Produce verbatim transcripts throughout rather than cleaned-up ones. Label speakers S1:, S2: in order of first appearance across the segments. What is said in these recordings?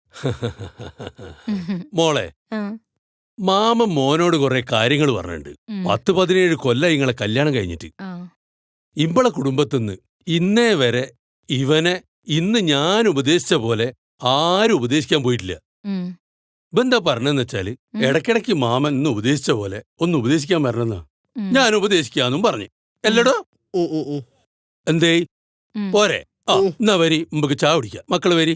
S1: മോളെ, മാമ മോനോട് കുറെ കാര്യങ്ങൾ പറഞ്ഞിട്ടുണ്ട്. പത്ത് പതിനേഴ് കൊല്ലം ഇങ്ങളെ കല്യാണം കഴിഞ്ഞിട്ട് ഇമ്പളെ കുടുംബത്തിന്ന് ഇന്നേ വരെ ഇവനെ ഇന്ന് ഞാൻ ഉപദേശിച്ച പോലെ ആരും ഉപദേശിക്കാൻ പോയിട്ടില്ല. ഇവെന്താ പറഞ്ഞെന്ന് വെച്ചാല് ഇടയ്ക്കിടയ്ക്ക് മാമൻ ഇന്ന് ഉപദേശിച്ച പോലെ ഒന്ന് ഉപദേശിക്കാൻ വരണമെന്നാ. ഞാൻ ഉപദേശിക്കാന്നും പറഞ്ഞു. എല്ലടോ എന്തേ പോരെ? ആ എന്നാ വരി, നമുക്ക് ചായ കുടിക്കാം. മക്കള് വരി.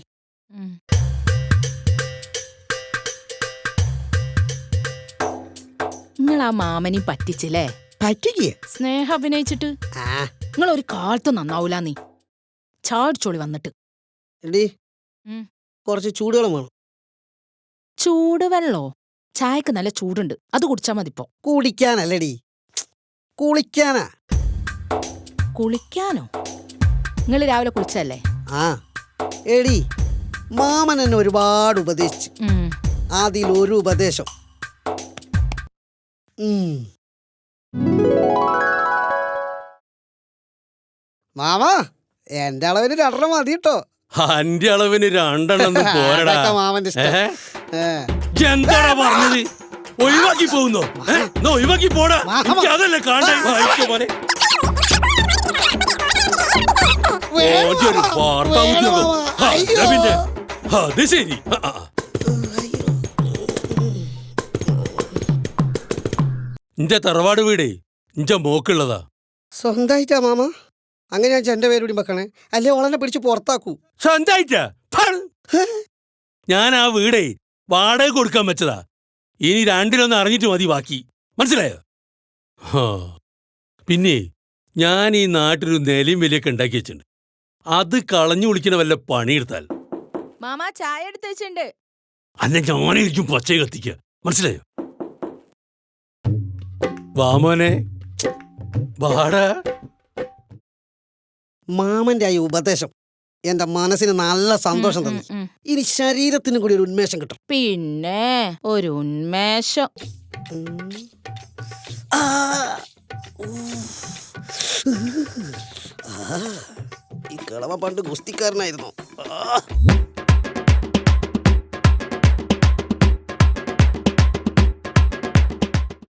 S2: നിങ്ങൾ ആ മാമനി പറ്റിച്ചില്ലേ?
S3: പറ്റിക്കേ
S2: സ്നേഹം അഭിനയിച്ചിട്ട് നിങ്ങൾ ഒരു കാലത്ത് നന്നാവൂല. നീ ചാടിച്ചോളി വന്നിട്ട്.
S3: എടീ കുറച്ച് ചൂടുവെള്ളം വേണം.
S2: ചൂടുവെള്ളോ? ചായക്ക് നല്ല ചൂടുണ്ട്, അത് കുടിച്ചാ മതിപ്പോ.
S3: കുടിക്കാനല്ലടി, കുളിക്കാനാ.
S2: കുളിക്കാനോ? നിങ്ങൾ രാവിലെ കുളിച്ചല്ലേ?
S3: ആ എടി, മാമൻ എന്നെ ഒരുപാട് ഉപദേശിച്ചു. അതിലൊരു ഉപദേശം മാമാ എന്റെ അളവിന് രണ്ടെണ്ണം മതി കേട്ടോ.
S1: എന്റെ അളവിന് രണ്ടെണ്ണം പോരടാ.
S3: മാമന്റെ
S1: എന്താടാ പറഞ്ഞത്? ഒഴിവാക്കി പോകുന്നോ? ഒഴിവാക്കി പോടാ. അതല്ലേ കാണാൻ. അത് ശരി. ഇന്റെ തറവാട് വീടേ ഇന്റെ മോക്കുള്ളതാ.
S3: സ്വന്തായിട്ടാ മാമ? അങ്ങനെ ഞാൻ എന്റെ പേര് കൂടി വെക്കണേ, അല്ലേ ഓളെന്നെ പിടിച്ച് പുറത്താക്കൂ.
S1: സ്വന്തായിട്ടാ? ഞാൻ ആ വീടേ വാടക കൊടുക്കാൻ വെച്ചതാ. ഇനി രണ്ടിലൊന്ന് അറിഞ്ഞിട്ട് മതി ബാക്കി. മനസ്സിലായോ? പിന്നെ ഞാൻ ഈ നാട്ടിലൊരു നിലയും വലിയൊക്കെ ഉണ്ടാക്കി വെച്ചിട്ടുണ്ട്. അത് കളഞ്ഞു വിളിക്കണ വല്ല പണിയെടുത്താൽ
S2: മാമാ ചായ എടുത്ത് വെച്ചിട്ടുണ്ട്.
S1: അല്ല ഞാനായിരിക്കും പച്ച കത്തിക്ക. മനസ്സിലായോ? വാമോനെ വാടാ.
S3: മാമന്റെ ഈ ഉപദേശം എന്റെ മനസ്സിന് നല്ല സന്തോഷം തന്നു. ഇനി ശരീരത്തിനും കൂടി ഒരു ഉന്മേഷം കിട്ടും.
S2: പിന്നെ ഒരു ഉന്മേഷം.
S3: ഈ കളവ പണ്ട് ഗുസ്തിക്കാരനായിരുന്നു.